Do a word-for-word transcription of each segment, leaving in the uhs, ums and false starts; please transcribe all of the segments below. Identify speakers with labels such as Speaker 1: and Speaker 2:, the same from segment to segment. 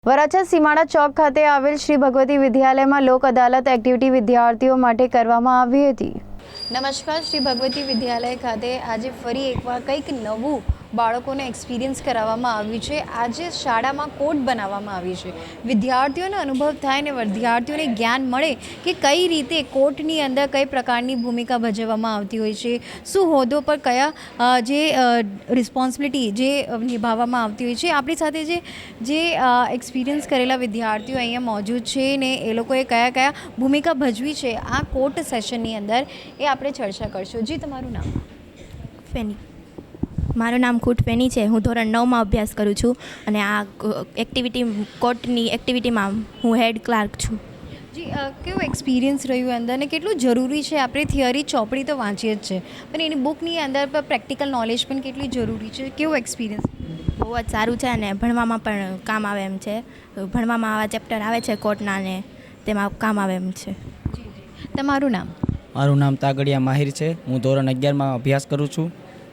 Speaker 1: વરાછા સીમાડા ચોક ખાતે આવેલ શ્રી ભગવતી વિદ્યાલયમાં લોક અદાલત એક્ટિવિટી વિદ્યાર્થીઓ માટે કરવામાં આવી હતી। નમસ્કાર, શ્રી ભગવતી વિદ્યાલય ખાતે આજે ફરી એકવાર કંઈક નવું બાળકોને એક્સપિરિયન્સ કરાવવામાં આવ્યું છે। આજે શાળામાં કોડ બનાવવામાં આવી છે, વિદ્યાર્થીઓને અનુભવ થાય ને વિદ્યાર્થીઓને જ્ઞાન મળે કે કઈ રીતે કોર્ટની અંદર કઈ પ્રકારની ભૂમિકા ભજવવામાં આવતી હોય છે, શું હોદ્દો પર કયા જે રિસ્પોન્સિબિલિટી જે નિભાવવામાં આવતી હોય છે। આપણી સાથે જે જે એક્સપિરિયન્સ કરેલા વિદ્યાર્થીઓ અહીંયા મોજૂદ છે ને એ લોકોએ કયા કયા ભૂમિકા ભજવી છે આ કોર્ટ સેશનની અંદર, એ આપણે ચર્ચા કરશું। જી, તમારું નામ?
Speaker 2: ફેની। મારું નામ ખૂટ ફેની છે। હું ધોરણ નવમાં અભ્યાસ કરું છું અને આ એક્ટિવિટી કોર્ટની એક્ટિવિટીમાં હું હેડ ક્લાર્ક છું।
Speaker 1: જી, કેવું એક્સપિરિયન્સ રહ્યું અંદર ને કેટલું જરૂરી છે? આપણે થિયરી ચોપડી તો વાંચીએ જ છે, પણ એની બુકની અંદર પર પ્રેક્ટિકલ નોલેજ પણ કેટલી જરૂરી છે? કેવું એક્સપિરિયન્સ?
Speaker 2: બહુ જ સારું છે અને ભણવામાં પણ કામ આવે એમ છે। ભણવામાં આવા ચેપ્ટર આવે છે કોર્ટના ને તેમાં કામ આવે એમ છે।
Speaker 1: તમારું નામ?
Speaker 3: મારું નામ તાગડિયા માહિર છે। હું ધોરણ અગિયારમાં અભ્યાસ કરું છું।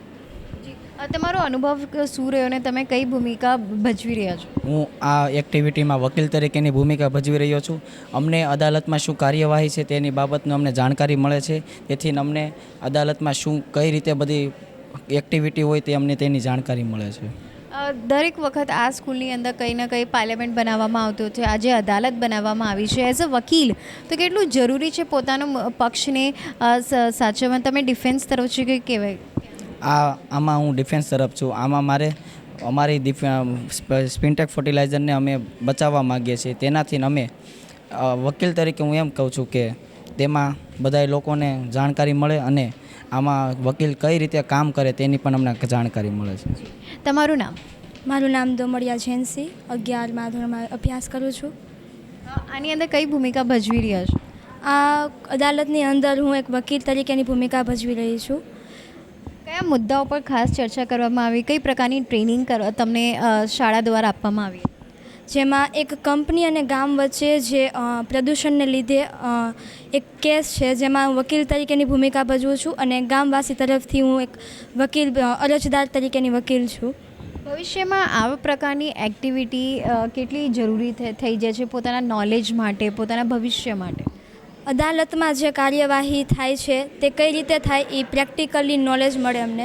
Speaker 1: તમારો અનુભવ શું રહ્યો ને તમે કઈ ભૂમિકા ભજવી રહ્યા છો?
Speaker 3: હું આ એક્ટિવિટીમાં વકીલ તરીકેની ભૂમિકા ભજવી રહ્યો છું। અમને અદાલતમાં શું કાર્યવાહી છે તેની બાબતનું અમને જાણકારી મળે છે, તેથી અમને અદાલતમાં શું કઈ રીતે બધી એક્ટિવિટી હોય તે અમને તેની જાણકારી મળે છે।
Speaker 1: દરેક વખત આ સ્કૂલની અંદર કંઈ ના કંઈ પાર્લામેન્ટ બનાવવામાં આવતું છે, આજે અદાલત બનાવવામાં આવી છે। એઝ અ વકીલ તો કેટલું જરૂરી છે પોતાનો પક્ષને સાચવવા? તમે ડિફેન્સ તરફ છે કે કહેવાય?
Speaker 3: આ આમાં હું ડિફેન્સ તરફ છું। આમાં મારે અમારી સ્પિનટેક ફર્ટિલાઇઝરને અમે બચાવવા માગીએ છીએ, તેનાથી અમે વકીલ તરીકે હું એમ કહું છું કે તેમાં બધા લોકોને જાણકારી મળે અને આમાં વકીલ કઈ રીતે કામ કરે તેની પણ અમને જાણકારી મળે છે।
Speaker 1: તમારું નામ?
Speaker 2: મારું નામ દોમડિયા જૈનસિંહ, અગિયારમાં ધોરણમાં અભ્યાસ કરું છું।
Speaker 1: આની અંદર કઈ ભૂમિકા ભજવી રહ્યા છો?
Speaker 2: આ અદાલતની અંદર હું એક વકીલ તરીકેની ભૂમિકા ભજવી રહી છું।
Speaker 1: કયા મુદ્દાઓ પર ખાસ ચર્ચા કરવામાં આવી? કઈ પ્રકારની ટ્રેનિંગ તમને શાળા દ્વારા આપવામાં આવી?
Speaker 2: જેમાં એક કંપની અને ગામ વચ્ચે જે પ્રદૂષણને લીધે એક કેસ છે, જેમાં હું વકીલ તરીકેની ભૂમિકા ભજવું છું અને ગામવાસી તરફથી હું એક વકીલ અરજદાર તરીકેની વકીલ છું।
Speaker 1: ભવિષ્યમાં આવા પ્રકારની એક્ટિવિટી કેટલી જરૂરી થઈ જાય છે પોતાના નોલેજ માટે, પોતાના ભવિષ્ય માટે?
Speaker 2: અદાલતમાં જે કાર્યવાહી થાય છે તે કઈ રીતે થાય એ પ્રેક્ટિકલી નોલેજ મળે અમને।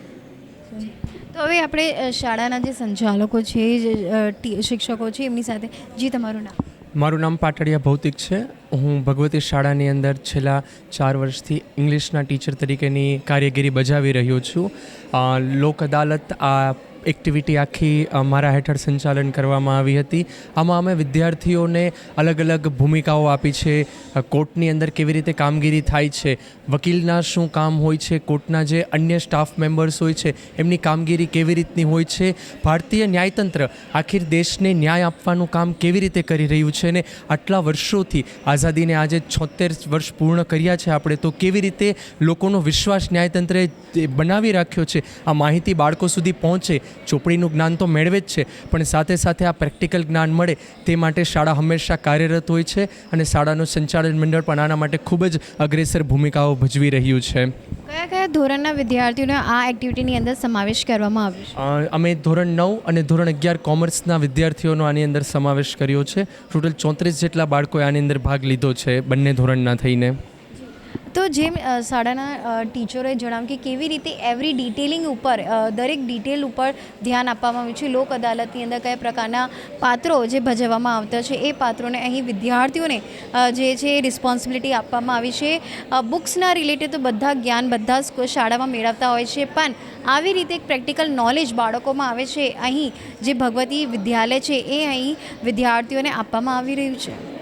Speaker 1: તો હવે આપણે શાળાના જે સંચાલકો છે, જે શિક્ષકો છે એમની સાથે, જી તમારું નામ?
Speaker 4: મારું નામ પાટડિયા ભૌતિક છે। હું ભગવતી શાળાની અંદર છેલ્લા ચાર વર્ષથી ઇંગ્લિશના ટીચર તરીકેની કારગિરી બજાવી રહ્યો છું। લોક અદાલત આ એક્ટિવિટી આખી મારા હેઠળ સંચાલન કરવામાં આવી હતી। આમાં અમે વિદ્યાર્થીઓને અલગ અલગ ભૂમિકાઓ આપી છે, કોર્ટની અંદર કેવી રીતે કામગીરી થાય છે, વકીલના શું કામ હોય છે, કોર્ટના જે અન્ય સ્ટાફ મેમ્બર્સ હોય છે એમની કામગીરી કેવી રીતની હોય છે, ભારતીય ન્યાયતંત્ર આખિર દેશને ન્યાય આપવાનું કામ કેવી રીતે કરી રહ્યું છે ને આટલા વર્ષોથી આઝાદીને આજે છોતેર વર્ષ પૂર્ણ કર્યા છે આપણે, તો કેવી રીતે લોકોનો વિશ્વાસ ન્યાયતંત્રે બનાવી રાખ્યો છે, આ માહિતી બાળકો સુધી પહોંચે। ચોપડીનું જ્ઞાન તો મેળવે જ છે, પણ સાથે સાથે આ પ્રેક્ટિકલ જ્ઞાન મળે તે માટે શાળા હંમેશા કાર્યરત હોય છે અને શાળાનું સંચાલન મંડળ પણ આના માટે ખૂબ જ અગ્રેસર ભૂમિકાઓ ભજવી રહ્યું છે।
Speaker 1: કયા કયા ધોરણના વિદ્યાર્થીઓને આ એક્ટિવિટીની અંદર સમાવેશ કરવામાં આવ્યો છે?
Speaker 4: અમે ધોરણ નવ અને ધોરણ અગિયાર કોમર્સના વિદ્યાર્થીઓનો આની અંદર સમાવેશ કર્યો છે। ટોટલ ચોત્રીસ જેટલા બાળકોએ આની અંદર ભાગ લીધો છે બંને ધોરણના થઈને।
Speaker 1: તો જેમ શાળાના ટીચરોએ જણાવ્યું કે કેવી રીતે એવરી ડિટેલિંગ ઉપર, દરેક ડિટેલ ઉપર ધ્યાન આપવામાં આવ્યું છે। લોક અદાલતની અંદર કયા પ્રકારના પાત્રો જે ભજવવામાં આવતા છે એ પાત્રોને અહીં વિદ્યાર્થીઓને જે છે રિસ્પોન્સિબિલિટી આપવામાં આવી છે। બુક્સના રિલેટેડ તો બધા જ્ઞાન બધા શાળામાં મેળવતા હોય છે, પણ આવી રીતે એક પ્રેક્ટિકલ નોલેજ બાળકોમાં આવે છે, અહીં જે ભગવતી વિદ્યાલય છે એ અહીં વિદ્યાર્થીઓને આપવામાં આવી રહ્યું છે।